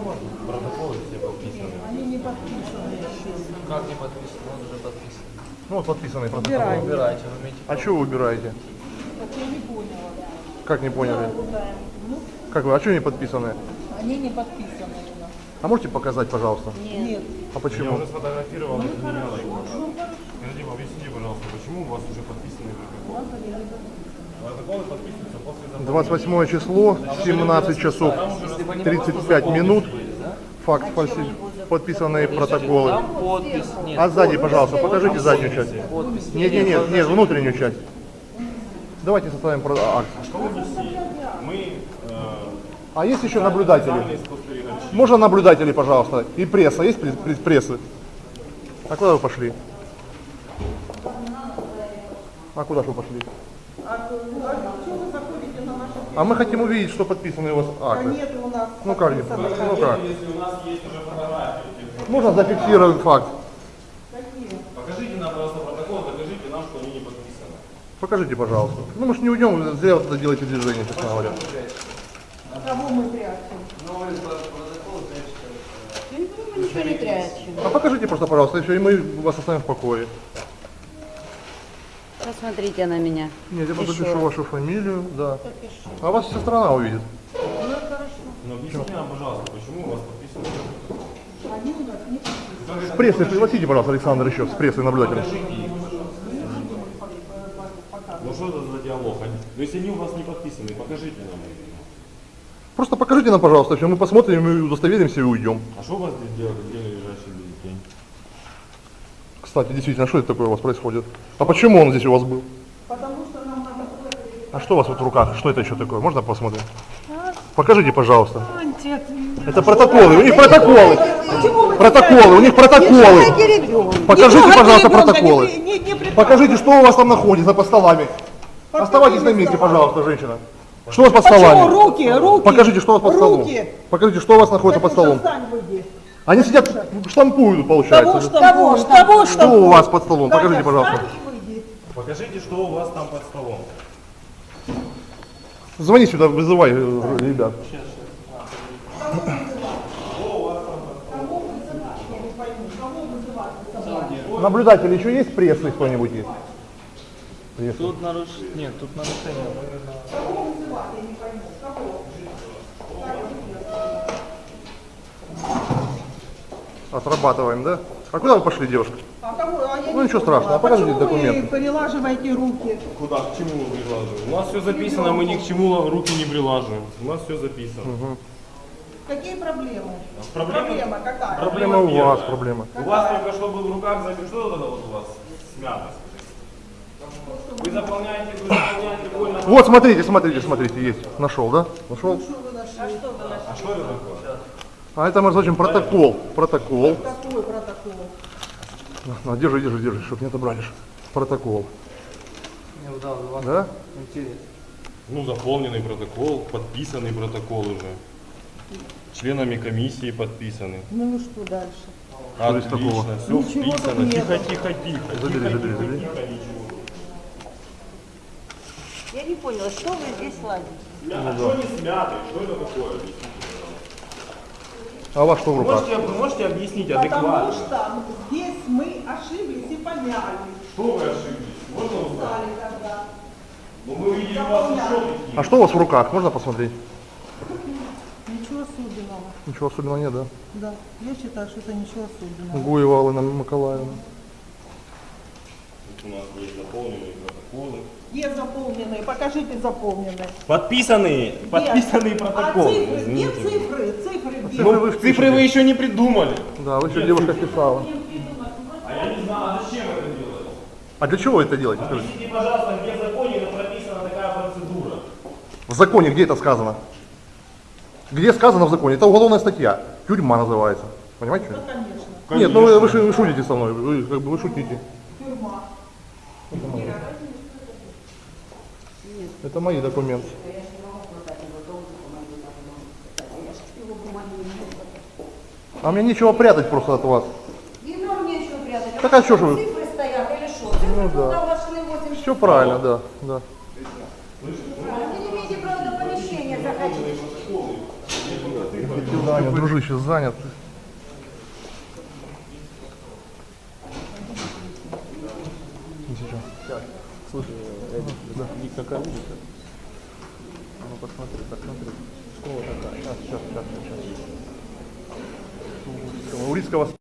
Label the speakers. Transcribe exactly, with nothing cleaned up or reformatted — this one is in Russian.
Speaker 1: Протоколы все подписаны.
Speaker 2: Они не подписаны.
Speaker 1: Как не подписаны? Он уже подписан.
Speaker 3: Ну вот подписанный протокол.
Speaker 2: Убирайте.
Speaker 1: Убирайте, вы имеете
Speaker 3: А что вы убираете?
Speaker 2: Так я не поняла.
Speaker 3: Как не поняли?
Speaker 2: Ну,
Speaker 3: Как вы? А что не подписаны?
Speaker 2: они не подписаны у нас.
Speaker 3: А можете показать, пожалуйста?
Speaker 2: Нет.
Speaker 3: А
Speaker 1: Я
Speaker 3: почему?
Speaker 1: уже сфотографировал, это не надо его. Скажите, объясните, пожалуйста, почему у вас уже подписаны протоколы? Протоколы подписываются после заполнения.
Speaker 3: двадцать восьмое число, семнадцать часов тридцать пять минут. Факт фальси... Подписанные протоколы.
Speaker 1: Там подпись нет.
Speaker 3: А сзади, пожалуйста, покажите заднюю часть.
Speaker 1: Подпись.
Speaker 3: Нет, нет, нет, нет, внутреннюю часть. Давайте составим про- акт.
Speaker 1: Мы э,
Speaker 3: А есть еще наблюдатели?
Speaker 1: спостерегаем.
Speaker 3: Можно наблюдатели, пожалуйста? И пресса, есть пресс- пресс- прессы? А куда вы пошли? А куда же вы пошли?
Speaker 2: А что вы заходите на наши...
Speaker 3: А мы хотим увидеть, что подписаны у вас
Speaker 2: А
Speaker 3: акты.
Speaker 2: нет у нас
Speaker 3: Ну как, не-
Speaker 2: подписанных.
Speaker 3: ну как?
Speaker 1: Если у нас есть уже фотографии,
Speaker 3: Можно зафиксировать факт.
Speaker 2: Какие?
Speaker 1: покажите нам, пожалуйста, протокол, докажите нам, что они не подписаны.
Speaker 3: Покажите, пожалуйста. Ну мы же не уйдем, вы зря вот это делаете движение, честно говоря.
Speaker 2: Кого мы прячем?
Speaker 4: Мы ничего не прячем.
Speaker 3: А покажите просто, пожалуйста, и все, и мы вас оставим в покое.
Speaker 4: Посмотрите на меня.
Speaker 3: Нет, я просто
Speaker 4: Еще
Speaker 3: запишу
Speaker 4: раз.
Speaker 3: вашу фамилию, да. А вас вся страна увидит.
Speaker 1: Но объясните нам, пожалуйста, почему у вас подписаны протоколы?
Speaker 2: Они у нас не подписаны.
Speaker 3: С прессы пригласите, пожалуйста, Александр еще, с прессы наблюдателя.
Speaker 1: Покажите их, пожалуйста. Ну что это за диалог? Они- Ну если они у вас не подписаны, покажите нам их.
Speaker 3: Просто покажите нам, пожалуйста, все, мы посмотрим, мы удостоверимся и уйдем.
Speaker 1: А что у вас здесь делали, где лежащий бюллетень?
Speaker 3: Кстати, действительно, что это такое у вас происходит? А почему он здесь у вас был?
Speaker 2: Потому что нам надо...
Speaker 3: А что у вас вот в руках? Что это еще такое? Можно посмотреть? Покажите, пожалуйста. Это протоколы, у них протоколы. Протоколы, у них протоколы. Покажите, пожалуйста, протоколы. Покажите, что у вас там находится под столами. Оставайтесь на месте, пожалуйста, женщина. Что у вас под
Speaker 2: Почему?
Speaker 3: столами?
Speaker 2: Руки, руки.
Speaker 3: Покажите, что у вас под столом.
Speaker 2: Руки.
Speaker 3: Покажите, что у вас находится под столом.
Speaker 2: Встань, выйди.
Speaker 3: Они сидят, штампуют,
Speaker 2: Того
Speaker 3: получается.
Speaker 2: штампуют, того
Speaker 3: Что у вас под столом?
Speaker 2: Таня,
Speaker 3: Покажите, пожалуйста.
Speaker 2: встань и выйди.
Speaker 1: Покажите, что у вас там под столом.
Speaker 3: Звони сюда, вызывай э, ребят. Наблюдатели еще есть, прессы кто-нибудь есть? Пресса.
Speaker 1: Тут наруш... Нет, тут нарушение.
Speaker 3: Отрабатываем, да? А куда вы пошли, девушка?
Speaker 2: А кого? А я
Speaker 3: Ну,
Speaker 2: не
Speaker 3: ничего
Speaker 2: поняла.
Speaker 3: страшного, покажите
Speaker 2: Почему
Speaker 3: документы.
Speaker 2: вы перелаживаете руки?
Speaker 1: Куда? К чему вы прилаживаем? У нас все записано, мы ни к чему руки не прилаживаем. У нас все записано.
Speaker 2: Какие проблемы?
Speaker 1: Проблема-
Speaker 2: Проблема какая?
Speaker 3: Проблема у вас, проблема.
Speaker 1: У вас только что был в руках запись. Что вот это вот у вас смято? Вы заполняете, вы заполняете больно.
Speaker 3: Вот, смотрите, смотрите, смотрите, есть. Нашел, да? Нашел?
Speaker 1: А что это такое?
Speaker 3: А это мы называем протокол. Протокол.
Speaker 2: Какой протокол?
Speaker 3: На, держи, держи, держи, чтобы не отобрали. ж. Протокол.
Speaker 1: Не удал, у вас
Speaker 3: Да?
Speaker 1: интерес. Ну, заполненный протокол, подписанный протокол уже. Членами комиссии подписаны.
Speaker 2: Ну и что дальше?
Speaker 3: Что здесь такого?
Speaker 1: Отлично, все
Speaker 2: Ничего тут
Speaker 1: вписано.
Speaker 2: нету.
Speaker 1: Тихо, тихо, тихо.
Speaker 3: Забери,
Speaker 1: тихо,
Speaker 3: забери,
Speaker 1: тихо,
Speaker 3: забери.
Speaker 1: тихо, ничего.
Speaker 4: Я не поняла, что вы здесь ладите?
Speaker 1: А что не смятый? Что это такое?
Speaker 3: А у вас что в руках?
Speaker 1: Можете, вы можете объяснить
Speaker 2: Потому
Speaker 1: адекватно?
Speaker 2: что здесь мы ошиблись и помяли.
Speaker 1: Что вы ошиблись? Можно узнать?
Speaker 2: Стали тогда.
Speaker 1: Ну, мы видели у вас еще такие.
Speaker 3: А что у вас в руках? Можно посмотреть?
Speaker 2: Ничего особенного.
Speaker 3: Ничего особенного нет, да?
Speaker 2: Да, я считаю, что это ничего особенного.
Speaker 3: Гуева Алена Николаевна.
Speaker 1: У нас есть заполненные протоколы.
Speaker 2: Где заполненные? Покажите заполненные.
Speaker 1: Подписанные, подписанные
Speaker 2: Нет.
Speaker 1: протоколы.
Speaker 2: А цифры? Где
Speaker 1: извините.
Speaker 2: цифры? Цифры где?
Speaker 3: Цифры вы впишите.
Speaker 1: Цифры вы еще не придумали.
Speaker 3: Да, вы еще девушка писала.
Speaker 1: А я не знаю, а зачем это делать?
Speaker 3: А для чего вы это делаете? Скажите?
Speaker 1: Объясните, пожалуйста, где в законе прописана такая процедура.
Speaker 3: В законе где это сказано? Где сказано в законе? Это уголовная статья. Тюрьма называется. Понимаете?
Speaker 2: Ну, конечно.
Speaker 3: Нет, ну вы, вы шу- вы шутите со мной. Вы как бы вы шутите.
Speaker 2: Тюрьма.
Speaker 3: Это мои документы. А мне нечего прятать просто от вас.
Speaker 4: И нам нечего прятать.
Speaker 3: Так а что же вы?
Speaker 4: Цифры стоят или что? Цифры
Speaker 3: Ну да.
Speaker 4: туда вошли восемь.
Speaker 3: Все правильно, да, да.
Speaker 4: Вы не имеете права до помещения заходить.
Speaker 3: Занят, дружище, занят. Не сейчас.
Speaker 5: Слушай, да. Вик, какая улица? А ну посмотри, посмотри. Школа такая.
Speaker 3: Сейчас, сейчас, сейчас, сейчас. Урицкого.